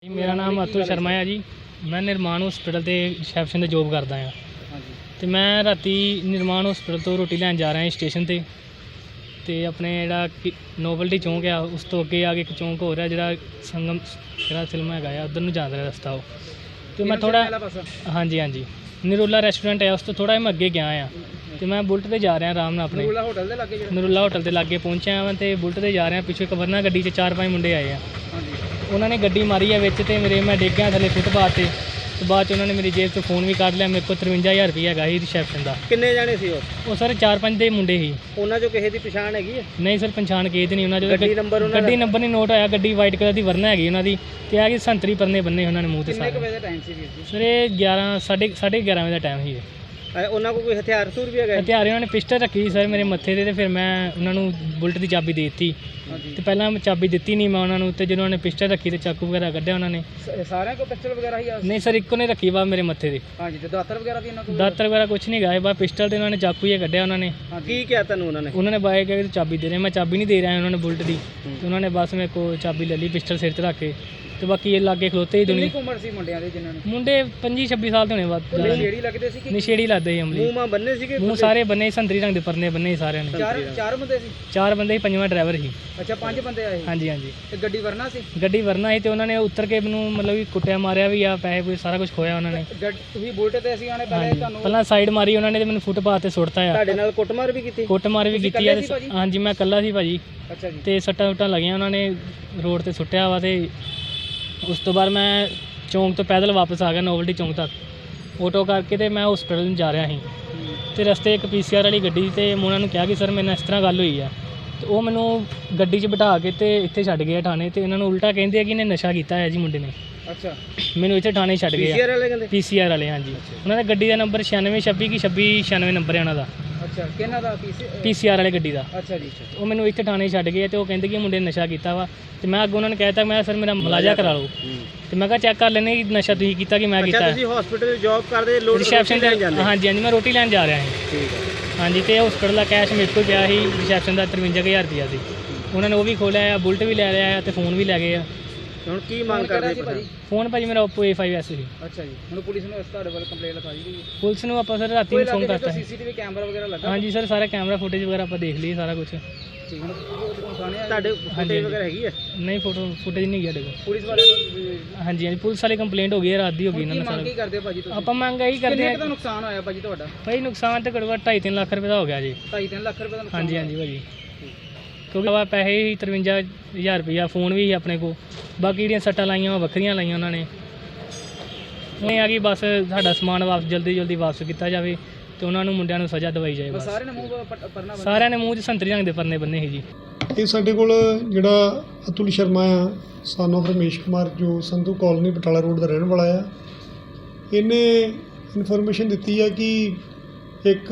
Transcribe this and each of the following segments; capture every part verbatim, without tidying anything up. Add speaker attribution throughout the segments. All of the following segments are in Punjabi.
Speaker 1: ਮੇਰਾ ਨਾਮ ਅਤੁਲ ਸ਼ਰਮਾ ਹੈ ਜੀ। ਮੈਂ ਨਿਰਮਾਣ ਹਸਪੀਟਲ ਤੇ ਰਿਸੈਪਸ਼ਨ 'ਤੇ ਜੋਬ ਕਰਦਾ ਹਾਂ ਅਤੇ ਮੈਂ ਰਾਤੀ ਨਿਰਮਾਣ ਹਸਪੀਟਲ ਤੋਂ ਰੋਟੀ ਲੈਣ ਜਾ ਰਿਹਾ ਸਟੇਸ਼ਨ 'ਤੇ ਅਤੇ ਆਪਣੇ ਜਿਹੜਾ ਕਿ ਨੋਵਲਟੀ ਚੌਂਕ ਆ ਉਸ ਤੋਂ ਅੱਗੇ ਆ ਕੇ ਇੱਕ ਚੌਂਕ ਹੋਰ ਹੈ ਜਿਹੜਾ ਸੰਗਮ ਜਿਹੜਾ ਫਿਲਮ ਹੈਗਾ ਆ ਉੱਧਰ ਨੂੰ ਜਾਂਦਾ ਰਸਤਾ ਉਹ ਅਤੇ ਮੈਂ ਥੋੜ੍ਹਾ ਹਾਂਜੀ ਹਾਂਜੀ ਨਰੂਲਾ ਰੈਸਟੋਰੈਂਟ ਹੈ ਉਸ ਤੋਂ ਥੋੜ੍ਹਾ ਜਿਹਾ ਮੈਂ ਅੱਗੇ ਗਿਆ ਹਾਂ ਅਤੇ ਮੈਂ ਬੁਲਟ 'ਤੇ ਜਾ ਰਿਹਾ ਆਰਾਮ ਨਾਲ ਆਪਣੇ ਨਰੂਲਾ ਹੋਟਲ ਦੇ ਲਾਗੇ ਨਰੂਲਾ ਹੋਟਲ ਦੇ ਲਾਗੇ ਪਹੁੰਚਿਆ ਵਾਂ ਅਤੇ ਬੁਲਟ 'ਤੇ ਜਾ ਰਿਹਾ ਪਿੱਛੋਂ ਇੱਕ ਵਰਨਾ ਗੱਡੀ 'ਚ ਚਾਰ ਪੰਜ ਮੁੰਡੇ ਆਏ ਆ। ਉਹਨਾਂ ਨੇ ਗੱਡੀ ਮਾਰੀ ਹੈ ਵਿੱਚ ਅਤੇ ਮੇਰੇ ਮੈਂ ਡਿੱਗ ਗਿਆ ਥੱਲੇ ਫੁੱਟਪਾਥ 'ਤੇ ਅਤੇ ਬਾਅਦ 'ਚ ਉਹਨਾਂ ਨੇ ਮੇਰੀ ਜੇਬ 'ਚੋਂ ਫੋਨ ਵੀ ਕੱਢ ਲਿਆ। ਮੇਰੇ ਕੋਲ ਤਰਵੰਜਾ ਹਜ਼ਾਰ ਰੁਪਈਆ ਹੈਗਾ ਸੀ ਰਿਸੈਪਸ਼ਨ ਦਾ।
Speaker 2: ਕਿੰਨੇ ਜਾਣੇ ਸੀ ਉਹ?
Speaker 1: ਉਹ ਸਰ ਚਾਰ ਪੰਜ ਦੇ ਮੁੰਡੇ ਸੀ।
Speaker 2: ਉਹਨਾਂ 'ਚੋਂ ਕਿਸੇ ਦੀ ਪਛਾਣ ਹੈਗੀ ਹੈ?
Speaker 1: ਨਹੀਂ ਸਰ ਪਛਾਣ ਕਿਸੇ ਦੀ ਨਹੀਂ। ਉਹਨਾਂ 'ਚੋਂ
Speaker 2: ਗੱਡੀ ਨੰਬਰ ਉਹਨਾਂ
Speaker 1: ਗੱਡੀ ਨੰਬਰ ਨਹੀਂ ਨੋਟ ਹੋਇਆ। ਗੱਡੀ ਵਾਈਟ ਕਲਰ ਦੀ ਵਰਨਾ ਹੈਗੀ ਉਹਨਾਂ ਦੀ ਅਤੇ ਆ ਕਿ ਸੰਤਰੀ ਪਰਨੇ ਬੰਨੇ ਉਹਨਾਂ ਨੇ ਮੂੰਹ 'ਤੇ ਸਾਰੇ।
Speaker 2: ਕਿੰਨੇ ਵਜੇ ਦਾ ਟਾਈਮ ਸੀ ਵੀਰ ਜੀ?
Speaker 1: ਸਰ ਇਹ ਗਿਆਰਾਂ ਸਾਢੇ ਸਾਢੇ ਗਿਆਰਾਂ ਵਜੇ ਦਾ ਟਾਈਮ ਸੀ।
Speaker 2: ਉਹਨਾਂ ਕੋਲ ਕੋਈ ਹਥਿਆਰ ਹਥੂਰ ਵੀ ਹੈਗਾ?
Speaker 1: ਹਥਿਆਰ ਉਹਨਾਂ ਨੇ ਪਿਸਟਲ ਰੱਖੀ ਸੀ ਸਰ ਮੇਰੇ ਮੱਥੇ 'ਤੇ ਅਤੇ ਫਿਰ ਮੈਂ ਉਹਨਾਂ ਨੂੰ ਬੁਲਟ ਦੀ ਚਾਬੀ ਦੇ ਦਿੱਤੀ ਅਤੇ ਪਹਿਲਾਂ ਮੈਂ ਚਾਬੀ ਦਿੱਤੀ ਨਹੀਂ ਮੈਂ ਉਹਨਾਂ ਨੂੰ ਅਤੇ ਜਦੋਂ ਉਹਨਾਂ ਨੇ ਪਿਸਟਲ ਰੱਖੀ ਅਤੇ ਚਾਕੂ ਵਗੈਰਾ ਕੱਢਿਆ ਉਹਨਾਂ ਨੇ।
Speaker 2: ਸਾਰਿਆਂ ਕੋਲ ਪਿਸਟਲ ਵਗੈਰਾ ਹੀ ਆ?
Speaker 1: ਨਹੀਂ ਸਰ ਇੱਕੋ ਨੇ ਰੱਖੀ ਵਾ ਮੇਰੇ ਮੱਥੇ 'ਤੇ।
Speaker 2: ਹਾਂਜੀ ਤੇ ਦਾਤਰ ਵਗੈਰਾ ਵੀ ਇਹਨਾਂ ਕੋਲ?
Speaker 1: ਦਾਤਰ ਵਗੈਰਾ ਕੁਛ ਨਹੀਂ ਗਾਏ ਬਾ ਪਿਸਟਲ 'ਤੇ ਉਹਨਾਂ ਨੇ ਚਾਕੂ ਹੀ ਕੱਢਿਆ ਉਹਨਾਂ ਨੇ।
Speaker 2: ਕੀ ਕਿਹਾ ਤੁਹਾਨੂੰ ਉਹਨਾਂ ਨੇ?
Speaker 1: ਉਹਨਾਂ ਨੇ ਬਾਏ ਕਿ ਚਾਬੀ ਦੇ ਰਹੇ ਮੈਂ ਚਾਬੀ ਨਹੀਂ ਦੇ ਰਿਹਾ ਉਹਨਾਂ ਨੇ ਬੁਲਟ ਦੀ ਅਤੇ ਉਹਨਾਂ ਨੇ ਬਸ ਮੇਰੇ ਕੋਲ ਚਾਬੀ ਲੈ ਲਈ ਪਿਸਟਲ ਸਿਰ 'ਤੇ ਰੱਖ ਕੇ ਅਤੇ ਬਾਕੀ ਇਹ ਲਾਗੇ ਖਲੋਤੇ ਹੀ ਦੁਨੀਆ।
Speaker 2: ਕਿੰਨੀ ਉਮਰ ਸੀ ਮੁੰਡਿਆਂ ਦੇ ਜਿਨ੍ਹਾਂ ਨੇ?
Speaker 1: ਮੁੰਡੇ ਪੰਜੀ ਛੱਬੀ ਸਾਲ ਦੇ ਹੋਣੇ ਬਾਅਦ।
Speaker 2: ਨਸ਼ੇੜੀ ਲੱਗਦੇ ਸੀ ਕਿ
Speaker 1: ਨਸ਼ੇੜੀ ਲੱਗਦੇ ਸੀ ਅਮਲੀ।
Speaker 2: ਮੂੰਹ ਮਾਂ ਬੰਨੇ ਸੀਗੇ?
Speaker 1: ਮੂੰਹ ਸਾਰੇ ਬੰਨੇ ਸੰਤਰੀ ਰੰਗ ਦੇ ਪਰਨੇ ਬੰਨੇ ਸਾਰਿਆਂ ਨੇ।
Speaker 2: ਚਾਰ ਚਾਰ ਬੰਦੇ ਸੀ?
Speaker 1: ਚਾਰ ਬੰਦੇ ਸੀ ਪੰਜਵਾਂ ਡਰਾਈਵਰ ਸੀ।
Speaker 2: ਅੱਛਾ ਪੰਜ ਬੰਦੇ ਆਏ?
Speaker 1: ਹਾਂਜੀ ਹਾਂਜੀ।
Speaker 2: ਤੇ ਗੱਡੀ ਵਰਨਾ ਸੀ?
Speaker 1: ਗੱਡੀ ਵਰਨਾ ਸੀ ਅਤੇ ਉਹਨਾਂ ਨੇ ਉੱਤਰ ਕੇ ਮੈਨੂੰ ਮਤਲਬ ਕਿ ਕੁੱਟਿਆ ਮਾਰਿਆ ਵੀ ਆ ਪੈਸੇ ਪੂਸੇ ਸਾਰਾ ਕੁਝ ਖੋਇਆ ਉਹਨਾਂ ਨੇ।
Speaker 2: ਤੁਸੀਂ ਬੁਲਟ ਤੇ ਅਸੀਂ ਆਣੇ ਪਹਿਲੇ ਤੁਹਾਨੂੰ?
Speaker 1: ਪਹਿਲਾਂ ਸਾਈਡ ਮਾਰੀ ਉਹਨਾਂ ਨੇ ਅਤੇ ਮੈਨੂੰ ਫੁੱਟਪਾਥ 'ਤੇ ਸੁੱਟਤਾ ਆ।
Speaker 2: ਤੁਹਾਡੇ ਨਾਲ ਕੁੱਟਮਾਰ ਵੀ ਕੀਤੀ?
Speaker 1: ਕੁੱਟਮਾਰ ਵੀ ਕੀਤੀ ਆ। ਹਾਂਜੀ ਮੈਂ ਇਕੱਲਾ ਸੀ ਭਾਜੀ।
Speaker 2: ਅੱਛਾ ਜੀ।
Speaker 1: ਅਤੇ ਸੱਟਾਂ ਸੁੱਟਾਂ ਲੱਗੀਆਂ ਉਹਨਾਂ ਨੇ ਰੋਡ 'ਤੇ ਸੁੱਟਿਆ ਵਾ ਅਤੇ ਉਸ ਤੋਂ ਬਾਅਦ ਮੈਂ ਚੌਂਕ ਤੋਂ ਪੈਦਲ ਵਾਪਸ ਆ ਗਿਆ ਨੋਵਲਟੀ ਚੌਂਕ ਤੱਕ ਆਟੋ ਕਰਕੇ ਅਤੇ ਮੈਂ ਹਸਪੀਟਲ ਨੂੰ ਜਾ ਰਿਹਾ ਸੀ ਅਤੇ ਰਸਤੇ ਇੱਕ ਪੀ ਸੀ ਆਰ ਵਾਲੀ ਗੱਡੀ ਅਤੇ ਮੈਂ ਉਹਨਾਂ ਨੂੰ ਕਿਹਾ ਕਿ ਸਰ ਮੇਰੇ ਨਾਲ ਇਸ ਤਰ੍ਹਾਂ ਗੱਲ ਹੋਈ ਆ ਅਤੇ ਉਹ ਮੈਨੂੰ ਗੱਡੀ 'ਚ ਬਿਠਾ ਕੇ ਅਤੇ ਇੱਥੇ ਛੱਡ ਗਏ ਥਾਣੇ ਅਤੇ ਇਹਨਾਂ ਨੂੰ ਉਲਟਾ ਕਹਿੰਦੇ ਆ ਕਿ ਇਹਨੇ ਨਸ਼ਾ ਕੀਤਾ ਹੈ ਜੀ ਮੁੰਡੇ ਨੇ।
Speaker 2: ਅੱਛਾ
Speaker 1: ਮੈਨੂੰ ਇੱਥੇ ਥਾਣੇ ਛੱਡ ਗਏ।
Speaker 2: ਪੀ ਸੀ ਆਰ ਵਾਲੇ ਕਹਿੰਦੇ?
Speaker 1: ਪੀ ਸੀ ਆਰ ਵਾਲੇ ਹਾਂਜੀ। ਉਹਨਾਂ ਦਾ ਗੱਡੀ ਦਾ ਨੰਬਰ ਛਿਆਨਵੇਂ ਛੱਬੀ ਕਿ ਛੱਬੀ ਛਿਆਨਵੇਂ ਨੰਬਰ ਹੈ ਉਹਨਾਂ ਦਾ।
Speaker 2: ਅੱਛਾ ਕਿਹਨਾਂ ਦਾ?
Speaker 1: ਪੀ ਸੀ ਆਰ ਵਾਲੇ ਗੱਡੀ ਦਾ।
Speaker 2: ਅੱਛਾ ਜੀ।
Speaker 1: ਉਹ ਮੈਨੂੰ ਇੱਥੇ ਥਾਣੇ ਛੱਡ ਗਏ ਅਤੇ ਉਹ ਕਹਿੰਦੇ ਕਿ ਮੁੰਡੇ ਨੇ ਨਸ਼ਾ ਕੀਤਾ ਵਾ ਅਤੇ ਮੈਂ ਅੱਗੇ ਉਹਨਾਂ ਨੇ ਕਹਿ ਤਾ ਮੈਂ ਸਰ ਮੇਰਾ ਮੁਲਾਜ਼ਾ ਕਰਾ ਲਓ ਅਤੇ ਮੈਂ ਕਿਹਾ ਚੈੱਕ ਕਰ ਲੈਂਦੇ ਕਿ ਨਸ਼ਾ ਤੁਸੀਂ ਕੀਤਾ ਕਿ ਮੈਂ ਕੀਤਾ।
Speaker 2: ਤੁਸੀਂ ਹਸਪੀਟਲ ਜੌਬ ਕਰਦੇ ਲੋਡ
Speaker 1: ਰਿਸੈਪਸ਼ਨ 'ਤੇ? ਹਾਂਜੀ ਹਾਂਜੀ ਮੈਂ ਰੋਟੀ ਲੈਣ ਜਾ ਰਿਹਾ ਸੀ।
Speaker 2: ਠੀਕ ਹੈ। ਹਾਂਜੀ
Speaker 1: ਅਤੇ ਹਸਪੀਟਲ ਦਾ ਕੈਸ਼ ਮੇਰੇ ਕੋਲ ਪਿਆ ਸੀ ਰਿਸੈਪਸ਼ਨ ਦਾ ਤਰਵੰਜਾ ਹਜ਼ਾਰ ਰੁਪਈਆ ਸੀ। ਉਹਨਾਂ ਨੇ ਉਹ ਵੀ ਖੋਲ੍ਹਿਆ ਆ ਬੁਲਟ ਵੀ ਲੈ ਲਿਆ ਅਤੇ ਫੋਨ ਵੀ ਲੈ ਗਏ ਆ।
Speaker 2: ਹੁਣ ਕੀ ਮੰਗ ਕਰਦੇ ਸੀ ਭਾਜੀ?
Speaker 1: ਫੋਨ ਭਾਜੀ ਮੇਰਾ ਓਪੋ ਏ ਫਾਈਵ ਐਸ ਸੀ।
Speaker 2: ਅੱਛਾ ਜੀ। ਹੁਣ ਪੁਲਿਸ ਨੂੰ ਇਸ ਤੁਹਾਡੇ ਵੱਲ ਕੰਪਲੇਂਟ ਲਿਖਾਈ ਗਈ?
Speaker 1: ਪੁਲਿਸ ਨੂੰ ਆਪਾਂ ਸਰ ਰਾਤੀ ਨੂੰ ਫੋਨ ਕਰਤਾ ਸੀ।
Speaker 2: ਸੀਸੀਟੀਵੀ ਕੈਮਰਾ ਵਗੈਰਾ ਲੱਗਾ?
Speaker 1: ਹਾਂਜੀ ਸਰ ਸਾਰਾ ਕੈਮਰਾ ਫੁਟੇਜ ਵਗੈਰਾ ਆਪਾਂ ਦੇਖ ਲਈ ਸਾਰਾ ਕੁਝ।
Speaker 2: ਠੀਕ ਹੁਣ ਤੁਹਾਡੇ ਫੁਟੇਜ ਵਗੈਰਾ ਹੈਗੀ ਹੈ?
Speaker 1: ਨਹੀਂ ਫੋਟੋ ਫੁਟੇਜ ਨਹੀਂ ਹੈਗੀ ਸਾਡੇ ਕੋਲ।
Speaker 2: ਪੁਲਿਸ ਵਾਲੇ ਨੂੰ?
Speaker 1: ਹਾਂਜੀ ਹਾਂਜੀ ਪੁਲਿਸ ਵਾਲੀ ਕੰਪਲੇਂਟ ਹੋ ਗਈ ਹੈ ਰਾਤ ਦੀ ਹੋ ਗਈ ਇਹਨਾਂ ਨੇ ਸਾਰਾ।
Speaker 2: ਕੀ ਕਰਦੇ ਭਾਜੀ ਤੁਸੀਂ? ਆਪਾਂ
Speaker 1: ਮੰਗ ਇਹੀ ਕਰਦੇ
Speaker 2: ਆ। ਕਿੰਨਾ ਨੁਕਸਾਨ ਹੋਇਆ ਭਾਜੀ ਤੁਹਾਡਾ?
Speaker 1: ਭਾਈ ਨੁਕਸਾਨ ਤਾਂ ਘੱਟੋ ਘੱਟ ਢਾਈ ਤਿੰਨ ਲੱਖ ਰੁਪਏ ਦਾ ਹੋ ਗਿਆ ਜੀ।
Speaker 2: ਢਾਈ ਤਿੰਨ ਲੱਖ ਰੁਪਏ ਦਾ ਨੁਕਸਾਨ?
Speaker 1: ਹਾਂਜੀ ਹਾਂਜੀ ਭਾਜੀ ਕਿਉਂਕਿ ਵਾ ਪੈਸੇ ਹੀ ਤਰਵੰਜਾ ਹਜ਼ਾਰ ਰੁਪਈਆ ਫੋਨ ਵੀ ਸੀ ਆਪਣੇ ਕੋਲ ਬਾਕੀ ਜਿਹੜੀਆਂ ਸੱਟਾਂ ਲਾਈਆਂ ਵਾ ਵੱਖਰੀਆਂ ਲਾਈਆਂ ਉਹਨਾਂ ਨੇ। ਉਹ ਆ ਕਿ ਬਸ ਸਾਡਾ ਸਮਾਨ ਵਾਪਸ ਜਲਦੀ ਜਲਦੀ ਵਾਪਸ ਕੀਤਾ ਜਾਵੇ ਅਤੇ ਉਹਨਾਂ ਨੂੰ ਮੁੰਡਿਆਂ ਨੂੰ ਸਜ਼ਾ ਦਵਾਈ ਜਾਏ ਬਸ।
Speaker 2: ਸਾਰਿਆਂ ਨੇ ਮੂੰਹ ਪਰਨਾ?
Speaker 1: ਸਾਰਿਆਂ ਨੇ ਮੂੰਹ 'ਚ ਸੰਤਰੀ ਰੰਗ ਦੇ ਪਰਨੇ ਬੰਨੇ ਸੀ ਜੀ।
Speaker 3: ਇਹ ਸਾਡੇ ਕੋਲ ਜਿਹੜਾ ਅਤੁਲ ਸ਼ਰਮਾ ਆ ਸਨ ਆਫ ਰਮੇਸ਼ ਕੁਮਾਰ ਜੋ ਸੰਧੂ ਕਾਲੋਨੀ ਬਟਾਲਾ ਰੋਡ ਦਾ ਰਹਿਣ ਵਾਲਾ ਆ, ਇਹਨੇ ਇਨਫੋਰਮੇਸ਼ਨ ਦਿੱਤੀ ਆ ਕਿ ਇੱਕ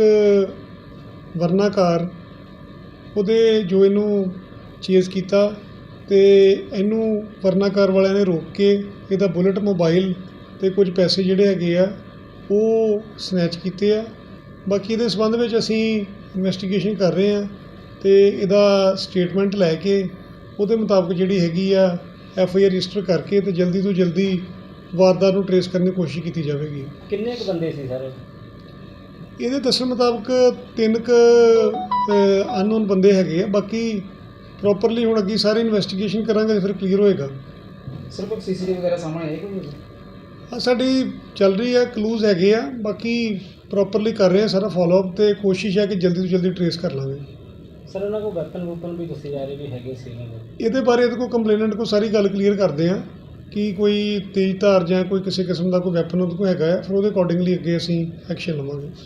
Speaker 3: ਵਰਨਾ ਕਾਰ ਉਹਦੇ ਜੋ ਇਹਨੂੰ ਚੇਜ਼ ਕੀਤਾ ਅਤੇ ਇਹਨੂੰ ਵਰਨਾ ਕਾਰ ਵਾਲਿਆਂ ਨੇ ਰੋਕ ਕੇ ਇਹਦਾ ਬੁਲਟ ਮੋਬਾਈਲ ਅਤੇ ਕੁਝ ਪੈਸੇ ਜਿਹੜੇ ਹੈਗੇ ਆ ਉਹ ਸਨੈਚ ਕੀਤੇ ਆ। ਬਾਕੀ ਇਹਦੇ ਸੰਬੰਧ ਵਿੱਚ ਅਸੀਂ ਇਨਵੈਸਟੀਗੇਸ਼ਨ ਕਰ ਰਹੇ ਹਾਂ ਅਤੇ ਇਹਦਾ ਸਟੇਟਮੈਂਟ ਲੈ ਕੇ ਉਹਦੇ ਮੁਤਾਬਕ ਜਿਹੜੀ ਹੈਗੀ ਆ ਐਫ ਆਈ ਆਰ ਰਜਿਸਟਰ ਕਰਕੇ ਅਤੇ ਜਲਦੀ ਤੋਂ ਜਲਦੀ ਵਾਰਦਾਤ ਨੂੰ ਟਰੇਸ ਕਰਨ ਦੀ ਕੋਸ਼ਿਸ਼ ਕੀਤੀ ਜਾਵੇਗੀ।
Speaker 2: ਕਿੰਨੇ ਕੁ ਬੰਦੇ ਸੀ ਸਰ?
Speaker 3: ਇਹਦੇ ਦੱਸਣ ਮੁਤਾਬਕ ਤਿੰਨ ਕੁ ਅਨਨੋਨ ਬੰਦੇ ਹੈਗੇ ਆ। ਬਾਕੀ ਪ੍ਰੋਪਰਲੀ ਹੁਣ ਅੱਗੇ ਸਾਰੀ ਇਨਵੈਸਟੀਗੇਸ਼ਨ ਕਰਾਂਗੇ ਫਿਰ ਕਲੀਅਰ ਹੋਏਗਾ।
Speaker 2: ਸਰ ਕੋਈ ਸੀ ਸੀ ਟੀ ਵੀ ਵਗੈਰਾ ਸਾਹਮਣੇ ਆਏ ਕੋਈ?
Speaker 3: ਹਾਂ ਸਾਡੀ ਚੱਲ ਰਹੀ ਆ ਕਲੂਜ਼ ਹੈਗੇ ਆ ਬਾਕੀ ਪ੍ਰੋਪਰਲੀ ਕਰ ਰਹੇ ਆ ਸਾਰਾ ਫੋਲੋਅਪ ਅਤੇ ਕੋਸ਼ਿਸ਼ ਹੈ ਕਿ ਜਲਦੀ ਤੋਂ ਜਲਦੀ ਟਰੇਸ ਕਰ ਲਾਂਗੇ।
Speaker 1: ਸਰ ਉਹਨਾਂ ਕੋਲ ਵੈਪਨ ਵੂਪਨ ਵੀ ਦੱਸੇ ਜਾ ਰਹੇ ਵੀ ਹੈਗੇ ਸੀ?
Speaker 3: ਇਹਦੇ ਬਾਰੇ ਇਹਦੇ ਕੋਲ ਕੰਪਲੇਨੈਂਟ ਕੋਲ ਸਾਰੀ ਗੱਲ ਕਲੀਅਰ ਕਰਦੇ ਆ ਕਿ ਕੋਈ ਤੇਜ਼ ਧਾਰ ਜਾਂ ਕੋਈ ਕਿਸੇ ਕਿਸਮ ਦਾ ਕੋਈ ਵੈਪਨ ਉਹਦੇ ਕੋਲ ਹੈਗਾ ਹੈ ਫਿਰ ਉਹਦੇ ਅਕੋਰਡਿੰਗਲੀ ਅੱਗੇ ਅਸੀਂ ਐਕਸ਼ਨ ਲਵਾਂਗੇ।